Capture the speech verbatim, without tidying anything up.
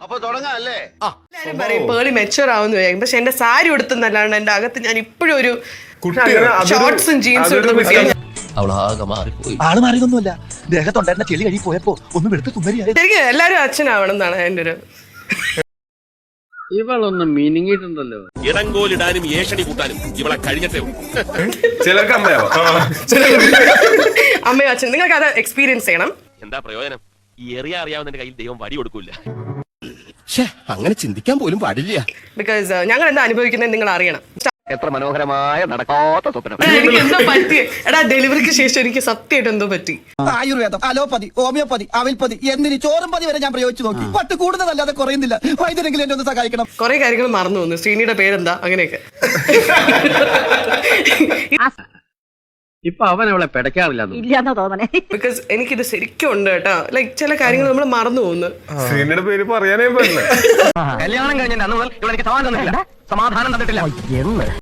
അപ്പൊ തുടങ്ങാല്ലേ? പേളി മെച്ചുവർ ആവുന്നു വരും. പക്ഷെ എന്റെ സാരി ഉടുത്തുന്നല്ലാണ്ട് എന്റെ അകത്ത് ഞാൻ ഇപ്പോഴും ഒരു ഷോർട്സും ജീൻസും എടുത്ത് ആള് മാറിയൊന്നുമല്ല, ദേഹത്തൊണ്ടായിരുന്ന ചെളി കഴി പോയപ്പോ ഒന്നും എടുത്ത് തുമ്മരിയായി. ശരിക്കും എല്ലാരും അച്ഛനാവണം എന്നാണ് എന്റെ ഒരു. ഇവളൊന്നും മിനിങ്ങിട്ടുണ്ടല്ലോ. ഇടങ്കോലിടാനും ഏഷണി കൂട്ടാനും ഇവളെ കഴിഞ്ഞിട്ടേ ചിലർക്ക് അമ്മയാവും. അമ്മയോ അച്ഛൻ നിങ്ങൾക്ക് അത് എക്സ്പീരിയൻസ് ചെയ്യണം. എന്താ പ്രയോജനം? ഈ എറിയ അറിയാവുന്നതിന്റെ കയ്യിൽ ദൈവം വടി കൊടുക്കൂല. അങ്ങനെ ചിന്തിക്കാൻ പോലും പാടില്ല. ബിക്കോസ് ഞങ്ങൾ എന്താ അനുഭവിക്കുന്നത് നിങ്ങൾ അറിയണം. എത്ര മനോഹരമായ നടക്കാത്ത സ്വപ്നം. എനിക്ക് എന്തോ പറ്റി എടാ, ഡെലിവറിക്ക് ശേഷം എനിക്ക് സത്യമായിട്ട് എന്തോ പറ്റി. ആയുർവേദം, അലോപ്പതി, ഹോമിയോപ്പതി, അവിൽപ്പതി എന്തിന് ചോറും പതി വരെ ഞാൻ പ്രയോഗിച്ചു നോക്കി. പട്ട് കൂടുതലല്ലാതെ കുറയുന്നില്ല. വൈദ്യരെങ്കിലും എന്നെ ഒന്ന് സഹായിക്കണം. കുറെ കാര്യങ്ങൾ മറന്നു പോകുന്നു. ശ്രീനിയുടെ പേരെന്താ അങ്ങനെയൊക്കെ. ഇപ്പൊ അവൻ അവളെ പിടയ്ക്കാറില്ല തോന്നണേ. ബിക്കോസ് എനിക്കിത് ശരിക്കും ഉണ്ട് കേട്ടോ. ലൈക് ചില കാര്യങ്ങൾ നമ്മൾ മറന്നു പോകുന്നു. ശ്രീനിയുടെ പേര് പറയാനേ പറ്റില്ല. കല്യാണം കഴിഞ്ഞ അന്ന് മുതൽ ഇവളെനിക്ക് സമാധാനം തന്നിട്ടില്ല. സമാധാനം തന്നിട്ടില്ല.